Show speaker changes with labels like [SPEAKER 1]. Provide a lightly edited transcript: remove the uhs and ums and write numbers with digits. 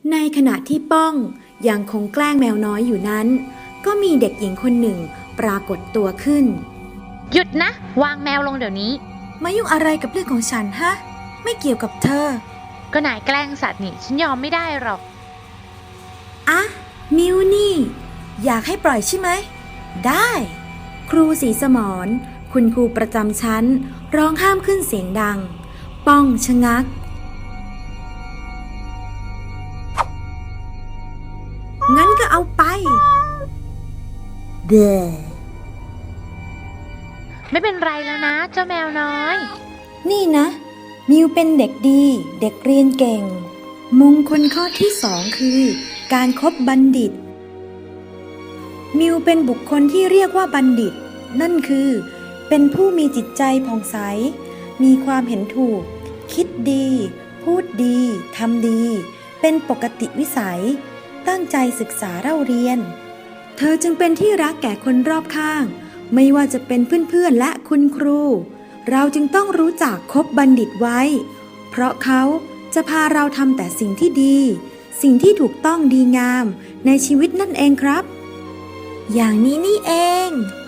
[SPEAKER 1] ในขณะที่ป้องยังคงแกล้งแมวน้อยอยู่นั้นก็มีเด็กหญิงคนหนึ่งปรากฏตัวขึ้น
[SPEAKER 2] หยุดนะวางแมวลงเดี๋ยวนี้
[SPEAKER 1] มายุ่งอะไรกับเรื่องของฉันฮะไม่เกี่ยวกับเธอ
[SPEAKER 2] ก็นายแกล้งสัตว์นี่ฉันยอมไม่ได้หรอก
[SPEAKER 1] อะมิวนี่อยากให้ปล่อยใช่ไหมได้ครูศรีสมรคุณครูประจำชั้นร้องห้ามขึ้นเสียงดังป้องชะงักงั้นก็เอาไปเด้
[SPEAKER 2] ไม่เป็นไรแล้วนะเจ้าแมวน้อย
[SPEAKER 1] นี่นะมิวเป็นเด็กดีเด็กเรียนเก่งมงคลข้อที่2คือการคบบัณฑิตมิวเป็นบุคคลที่เรียกว่าบัณฑิตนั่นคือเป็นผู้มีจิตใจผ่องใสมีความเห็นถูกคิดดีพูดดีทำดีเป็นปกติวิสัยตั้งใจศึกษาเล่าเรียนเธอจึงเป็นที่รักแก่คนรอบข้างไม่ว่าจะเป็นเพื่อนๆและคุณครูเราจึงต้องรู้จักคบบัณฑิตไว้เพราะเขาจะพาเราทำแต่สิ่งที่ดีสิ่งที่ถูกต้องดีงามในชีวิตนั่นเองครับอย่างนี้นี่เอง